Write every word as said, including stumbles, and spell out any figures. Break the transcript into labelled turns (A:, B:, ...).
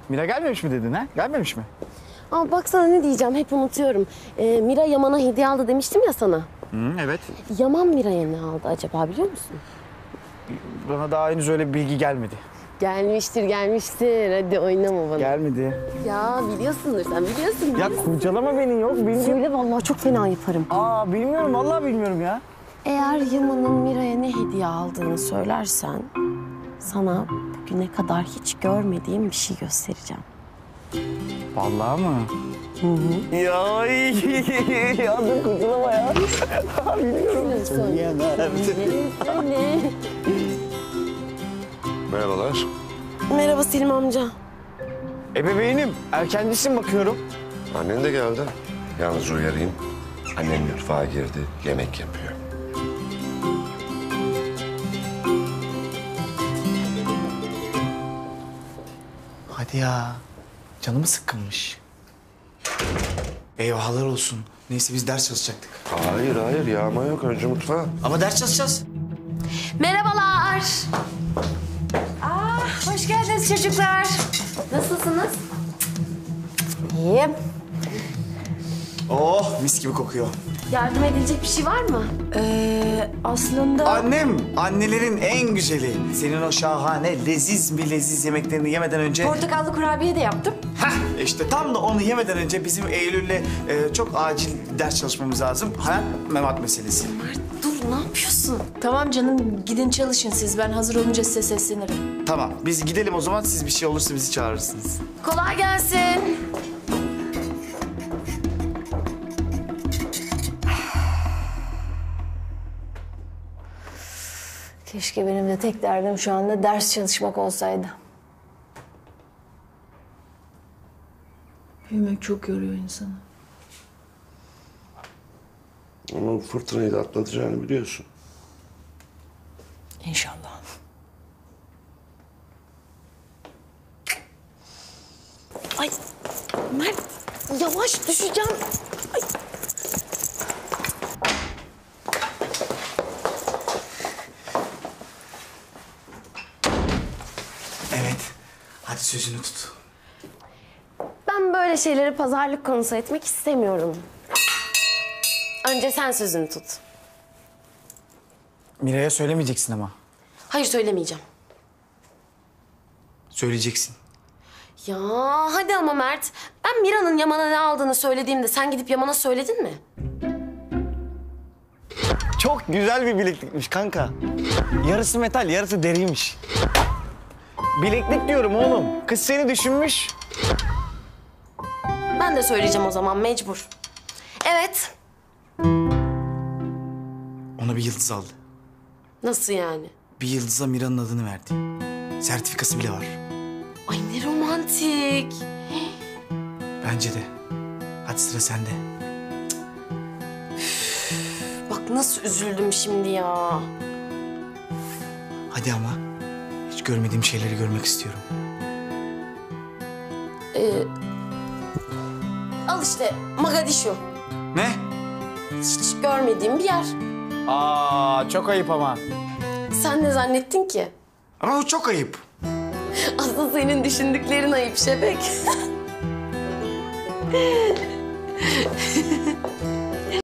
A: Mira gelmemiş mi dedin ha? Gelmemiş mi?
B: Aa, bak sana ne diyeceğim, hep unutuyorum. Ee, Mira Yaman'a hediye aldı demiştim ya sana.
A: Hı, evet.
B: Yaman Mira'ya ne aldı acaba biliyor musun?
A: Bana daha henüz öyle bir bilgi gelmedi.
B: Gelmiştir, gelmiştir. Hadi oynama bana.
A: Gelmedi.
B: Ya biliyorsundur sen, biliyorsun.
A: Ya kurcalama beni, yok bilmiyorum.
B: Söyle vallahi çok fena yaparım.
A: Aa bilmiyorum, vallahi bilmiyorum ya.
B: Eğer Yaman'ın Mira'ya ne hediye aldığını söylersen... sana bugüne kadar hiç görmediğim bir şey göstereceğim.
A: Vallahi mı?
B: Hı hı.
A: Ya ya dur kurtulama ya. Biliyorum.
B: Söyleyemem. Söyle.
C: Merhabalar.
B: Merhaba Selim amca.
A: Ebeveynim, erkencisin bakıyorum.
C: Annen de geldi. Yalnız uyarayım. Annem mutfağa girdi, yemek yapıyor.
A: Hadi ya. Canımı sıkkınmış. Eyvahlar olsun. Neyse biz ders çalışacaktık.
C: Hayır hayır yağma yok. Önce mutfağa.
A: Ama ders çalışacağız.
B: Merhabalar.
D: Aa, hoş geldiniz çocuklar.
B: Nasılsınız?
D: İyiyim.
A: Oh mis gibi kokuyor.
B: Yardım edilecek bir şey var mı?
D: Ee, aslında...
A: Annem, annelerin en güzeli. Senin o şahane, leziz mi leziz yemeklerini yemeden önce...
D: Portakallı kurabiye de yaptım.
A: Heh, işte tam da onu yemeden önce bizim Eylül'le e, çok acil ders çalışmamız lazım. Hayat memat meselesi.
B: Mert dur, ne yapıyorsun?
D: Tamam canım, gidin çalışın siz. Ben hazır olunca size seslenirim.
A: Tamam, biz gidelim o zaman. Siz bir şey olursa bizi çağırırsınız.
B: Kolay gelsin.
D: Keşke benim de tek derdim şu anda ders çalışmak olsaydı. Büyümek çok yoruyor insanı.
C: Ama bu fırtınayı da atlatacağını biliyorsun.
D: İnşallah.
B: Ay Mert, yavaş düşeceğim. Ay.
A: Evet, hadi sözünü tut.
B: Ben böyle şeyleri pazarlık konusu etmek istemiyorum. Önce sen sözünü tut.
A: Mira'ya söylemeyeceksin ama.
B: Hayır, söylemeyeceğim.
A: Söyleyeceksin.
B: Ya hadi ama Mert. Ben Mira'nın Yaman'a ne aldığını söylediğimde sen gidip Yaman'a söyledin mi?
A: Çok güzel bir bileklikmiş kanka. Yarısı metal, yarısı deriymiş. Bileklik diyorum oğlum. Kız seni düşünmüş.
B: Ben de söyleyeceğim o zaman, mecbur. Evet.
A: Ona bir yıldız aldı.
B: Nasıl yani?
A: Bir yıldıza Mira'nın adını verdi. Sertifikası bile var.
B: Ay ne romantik.
A: Bence de. Hadi sıra sende.
B: Bak nasıl üzüldüm şimdi ya.
A: Hadi ama. Hiç görmediğim şeyleri görmek istiyorum.
B: Ee, al işte Mogadishu.
A: Ne?
B: Hiç görmediğim bir yer.
A: Aa, çok ayıp ama.
B: Sen ne zannettin ki?
A: Ama o çok ayıp.
B: Asıl senin düşündüklerin ayıp Şebek.